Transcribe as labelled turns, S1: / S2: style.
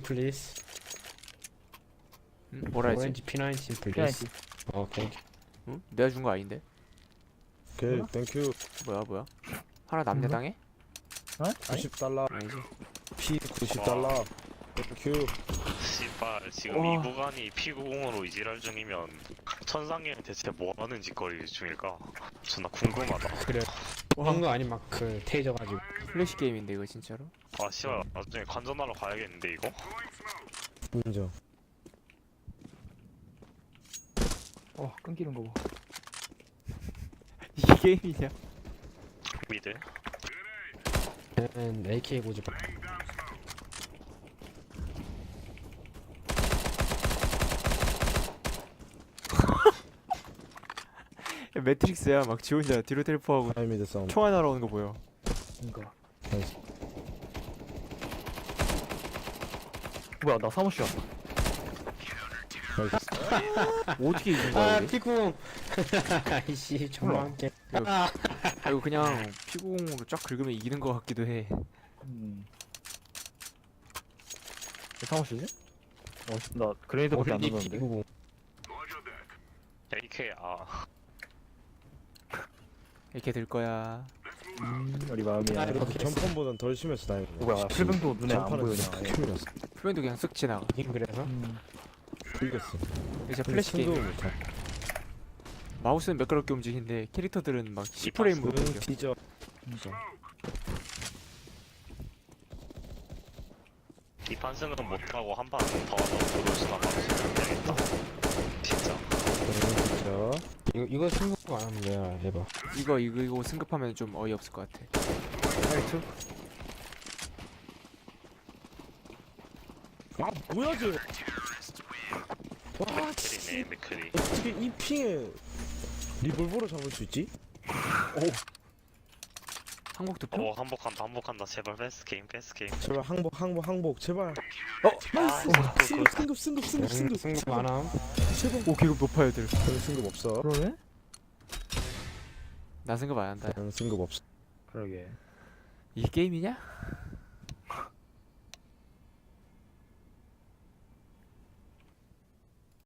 S1: please.
S2: 응? 뭐라 했지?
S1: 오렌지 P19 please. 오케이.
S2: 응? 내가 준 거 아닌데?
S3: 오케이 땡큐.
S2: 뭐야? 하나 남녀당해?
S4: 어? 아니?
S3: 90달러
S2: 아니지.
S3: P 90달러 땡큐.
S5: 씨발 지금
S2: 와.
S5: 이 구간이 피구공으로 이지랄 중이면 천상계는 대체 뭐하는 짓거리 중일까? 존나 궁금하다.
S1: 그래. 그런 거 아니 막 그 테이저 가지고.
S2: 플래시 게임인데 이거 진짜로?
S5: 아 씨발 나중에 관전하러 가야겠는데 이거?
S3: 인정.
S4: 끊기는 거 봐.
S2: 이게 게임이냐?
S5: 미드?
S1: 걔는 AK 고집.
S2: 매트릭스야. 막 지 혼자 뒤로 텔포하고
S3: 하이미드 싸움.
S2: 총알 날아오는 거 보여.
S4: 그니까.
S3: 나이스.
S4: 뭐야, 나 사무실 왔어.
S3: 나이스.
S2: 어떻게 이긴 거야
S1: 아
S2: 우리?
S1: 피쿵. 아이씨 정말 함께.
S2: 아, 이거 그냥 피구공으로 쫙 긁으면 이기는 거 같기도 해.
S4: 왜 사무실이지? 나 그레이드밖에 안
S1: 오렌지
S4: 넣었는데.
S1: P90.
S5: AK
S2: 이렇게 될 거야.
S4: 우리 마음이야.
S1: 아, 이렇게
S3: 전판보단 덜 심해서 다행이네.
S4: 뭐야, 필병도 눈에 안
S3: 전판은
S4: 보이냐.
S3: 그냥 큐이었어.
S2: 표현도 그냥 쓱 지나가.
S1: 이긴 그래서.
S3: 이겼어.
S2: 이제 플래시 게임.
S3: 못하.
S2: 마우스는 매끄럽게 움직이는데 캐릭터들은 막 10프레임으로
S3: 응
S2: 움직여.
S3: 뒤져.
S5: 이 판승은 못하고 한 판 더 하다 들어오시나 봐야겠다. 진짜.
S3: 응 뒤져.
S1: 이거 승부 안 하면 내가 해봐.
S2: 이거 승급하면 좀 어이없을 것 같아.
S4: 하이트?
S3: 아 뭐야 쟤. 와
S5: 맥크리네 맥크리.
S3: 어떻게 이 핑에 리볼버를 잡을 수 있지?
S2: 한국 투표?
S5: 한복한다 제발 패스 게임
S3: 제발 항복 제발.
S5: 아
S3: 승급.
S1: 승부 안 함.
S3: 제발.
S2: 오 계급 높아 애들.
S3: 저는 승급 없어.
S4: 그러네?
S2: 나 승급 안 한다.
S3: 저는 승급 없어.
S4: 그러게.
S2: 이게 게임이냐?